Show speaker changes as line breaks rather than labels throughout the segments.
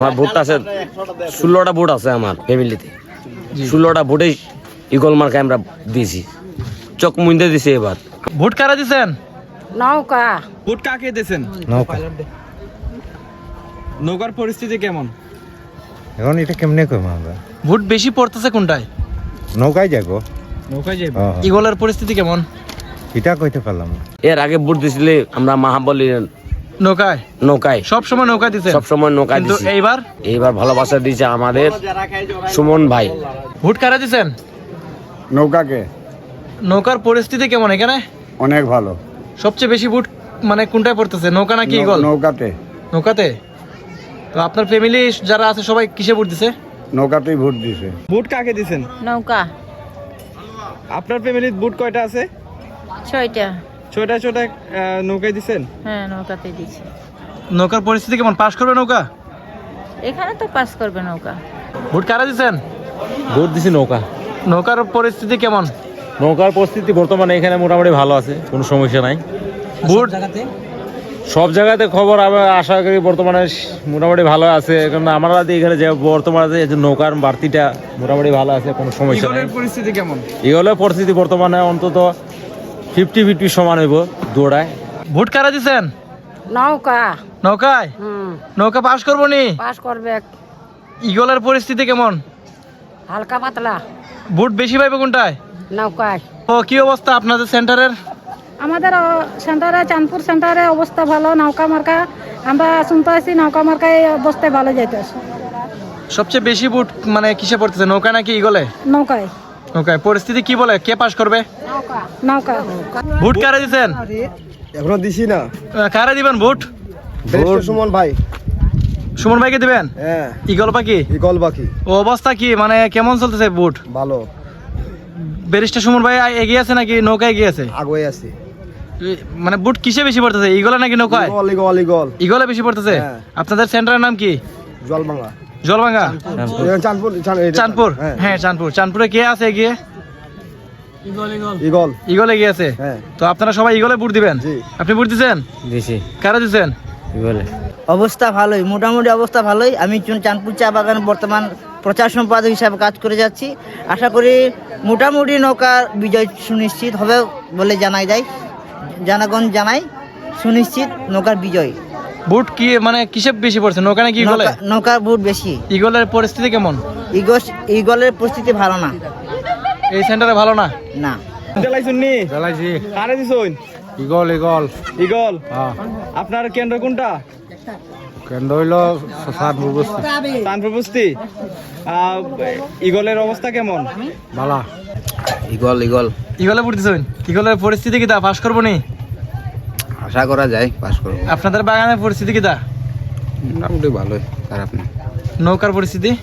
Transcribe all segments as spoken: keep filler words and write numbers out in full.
আমার ভোট আছে ষোলোটা ভোট আছে আমার ফ্যামিলিতে, ষোলোটা ভোটেই ইগল মার্কে আমরা দিয়েছি, চক মুন্দে দিছি। এবার
ভোট কারা দিছেন?
নৌকা।
ভোট কাকে দিছেন?
নৌকা।
নৌকার পরিস্থিতি কেমন
এখন এটা কেমনে কইম আমরা?
ভোট বেশি পড়তেছে কোনটায়?
নৌকায় যাবো।
নৌকায় যাইব।
হ্যাঁ।
ইগলের পরিস্থিতি কেমন?
এটা কইতে পারলাম না।
এর আগে ভোট দিছিলে আমরা মহাবলী
নৌকায়
নৌকায়
সব সময় নৌকা দিছেন?
সব সময় নৌকায়
কিন্তু
দিছি।
এইবার
এইবার ভালোবাসা দিয়েছে আমাদের সুমন ভাই।
ভোট কারা দিছেন?
নৌকাকে।
নৌকার পরিস্থিতি কেমন এখানে?
অনেক ভালো।
সবচেয়ে বেশি ভোট মানে কোনটায় পড়তেছে, নৌকা নাকি ইগল?
নৌকাতে।
নৌকাতে। তো আপনার ফ্যামিলি যারা আছে সবাই কিসে ভোট দিছে?
নৌকাতেই ভোট দিছে।
ভোট কাকে দিছেন?
নৌকা।
আপনার ফ্যামিলির ভোট কয়টা আছে?
ছয়টা।
ছয়টা ছয়টা নৌকায় দিছেন?
হ্যাঁ, নৌকাতে দিছে।
নৌকার পরিস্থিতি কেমন? পাস করবে নৌকা?
এখানে তো পাস করবে নৌকা।
ভোট কারা দিছেন?
ভোট দিছি নৌকা।
নৌকার পরিস্থিতি কেমন?
নৌকার পরিস্থিতি বর্তমানে এখানে মোটামুটি ভালো আছে, কোনো সমস্যা নাই।
ভোট
সব জায়গাতে খবর আমরা আশা করি বর্তমানে মোটামুটি ভালো আছে, কারণ আমরা এখানে যে বর্তমানে যে নৌকার বাড়তিটা মোটামুটি ভালো আছে, কোনো সমস্যা নেই।
ইগলের পরিস্থিতি কেমন?
এগুলো পরিস্থিতি বর্তমানে অন্তত ফিফটি ফিফটি সমান হইব দৌড়ায়।
ভোট কারা দিছেন?
নৌকা।
নৌকায়?
হুম,
নৌকা পাস করবো নি?
পাস করবে।
ইগলের পরিস্থিতি কেমন?
হালকা পাতলা।
ভোট বেশি পাইবে কোনটায়?
নৌকায়।
ও কি অবস্থা আপনাদের সেন্টারের?
আমাদের সেন্টারে চাঁদপুর সেন্টারে অবস্থা ভালো। নৌকা মার্কা আমরা শুনতে আছি, নৌকা মার্কায় অবস্থায় ভালো যাইতেছে।
সবচেয়ে বেশি ভোট মানে কিসে পড়তেছে, নৌকা নাকি ইগলে?
নৌকায়।
নৌকায়। পরিস্থিতি কি বলে, কে পাস করবে?
নৌকা।
ভোট কারা দিছেন?
এখনো দিছি না।
আহ, কারা দিবেন ভোট?
সুমন ভাই।
সুমন ভাইকে দিবেন?
হ্যাঁ।
ইগল পাখি?
ইগল বাকি।
ও অবস্থা কি মানে কেমন চলতেছে ভোট?
ভালো।
ব্যারিস্টার সুমন ভাই এগিয়ে আছে নাকি নৌকা এগিয়ে আছে?
আগুয়ে আছে।
এ- মানে ভোট কিসে বেশি পড়তেছে, ইগলে নাকি নৌকায়?
Eagle eagle eagle.
ইগলে বেশি পড়তেছে।
হ্যাঁ।
আপনাদের সেন্টারের নাম কি?
জলবাংলা।
জলভাঙ্গা?
চাঁদপুর।
চাঁদপুর? হ্যাঁ, চাঁদপুর। চাঁদপুরে কে আছে এগিয়ে?
ইগল।
ইগল এগিয়ে আছে।
হ্যাঁ।
তো আপনারা সবাই ইগলে ভোট দিবেন?
জি।
আপনি ভোট দিছেন?
দিছি।
কারা দিছেন?
বলে
অবস্থা ভালোই, মোটামুটি অবস্থা ভালোই। আমি চুন- চাঁদপুর চা বাগানে বর্তমান প্রচার সম্পাদক হিসাবে কাজ করে যাচ্ছি। আশা করি মোটামুটি নৌকার বিজয় সুনিশ্চিত হবে বলে জানাই যায়, জনগণ জানাই সুনিশ্চিত নৌকার বিজয়।
ভোট কি মানে কিসে বেশি পড়ছে, নৌকা নাকি ইগলে?
নৌকা- নৌকার ভোট বেশি।
ইগলের পরিস্থিতি কেমন?
ইগল ইগলের পরিস্থিতি ভালো না।
এই সেন্টারে ভালো না?
না।
জ্বালাইছুন নি?
চালাইছি।
কারে দিছুন?
Eagle eagle.
ইগল।
হ্যাঁ।
আপনার কেন্দ্র কোনটা?
কেন্দ্র হইল চাঁদপুর বস্তি।
চাঁদপুর বস্তি। আহ, ইগলের অবস্থা কেমন?
বালা।
Eagle eagle.
ইগলে ভোট দিছুন? ইগলের পরিস্থিতি কি তা পাস করবো নি?
আশা করা যায় পাস করব।
আপনাদের বাগানের পরিস্থিতি কি তা?
মোটামুটি ভালোই, খারাপ না।
নৌকার পরিস্থিতি?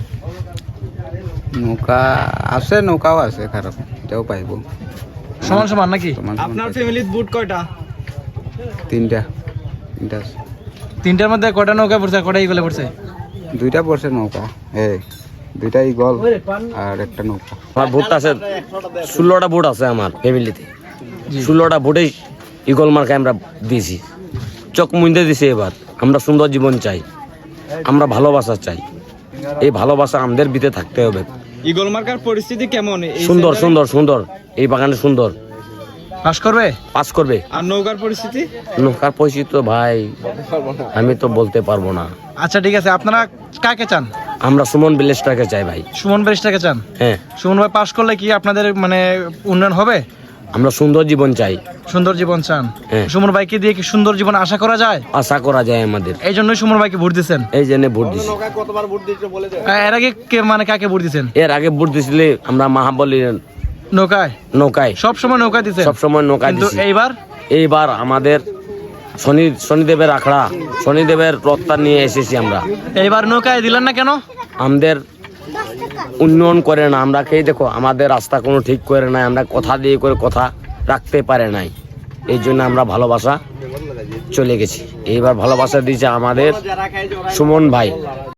নৌকা আছে, নৌকাও আছে, খারাপ না। এটাও পাইব।
সমান সমান নাকি?
সমান সমান
আপনার
পাইবো।
ফ্যামিলির ভোট কয়টা?
তিনটা। তিনটা আছে।
তিনটার মধ্যে কয়টা নৌকা পড়ছে আর কয়টা ইগলে পড়ছে?
দুইটা পড়ছে নৌকা। এই দুইটা ইগল আর একটা নৌকা।
আমার ভোট আছে ষোলোটা ভোট আছে আমার ফ্যামিলিতে, ষোলোটা ভোটেই ইগল মার্কে আমরা দিয়েছি, চক মুন্দে দিছি। এবার আমরা সুন্দর জীবন চাই, আমরা ভালোবাসা চাই। এই ভালোবাসা আমাদের ভিতরে থাকতে হবে।
ইগল মার্কার পরিস্থিতি কেমন? এই
সুন্দর
সেন্টারে?
সুন্দর সুন্দর, এই বাগানে সুন্দর
পাস করবে?
পাস করবে।
আর নৌকার পরিস্থিতি?
নৌকার পয়সা তো ভাই আমি তো বলতে পারবো না।
আচ্ছা ঠিক আছে, আপনারা কাকে চান?
আমরা সুমন ভিলেজটাকে চাই ভাই।
সুমন ব্যারিস্টারকে চান?
হ্যাঁ,
সুমন ভাই পাস করলে কি আপনাদের মানে উন্নয়ন হবে?
আমরা সুন্দর জীবন চাই।
সুন্দর জীবন চান?
হ্যাঁ।
সুমন ভাইকে দিয়ে কি সুন্দর জীবন আশা করা যায়?
আশা করা যায় আমাদের,
এই জন্যই সুমন ভাইকে ভোট দিচ্ছেন?
এই জন্য ভোট দিছি।
এর আগে কে মানে কাকে ভোট দিচ্ছেন?
এর আগে ভোট দিছিলে আমরা মহাবলী
নৌকায়?
নৌকায়
সব সময় নৌকা দিচ্ছেন?
সবসময় নৌকা
কিন্তু
দিছি।
এইবার
এইবার আমাদের শনি শনিদেবের আখড়া, শনিদেবের রথটা নিয়ে এসেছি আমরা।
এইবার নৌকায় দিলেন না কেন?
আমাদের উন্নয়ন করে না, আমরা খেয়ে দেখো আমাদের রাস্তা কোনো ঠিক করে নাই, আমরা কথা দিয়ে করে কথা রাখতে পারে নাই। এই জন্য আমরা ভালোবাসা চলে গেছি। এইবার ভালোবাসা দিয়েছে আমাদের সুমন ভাই।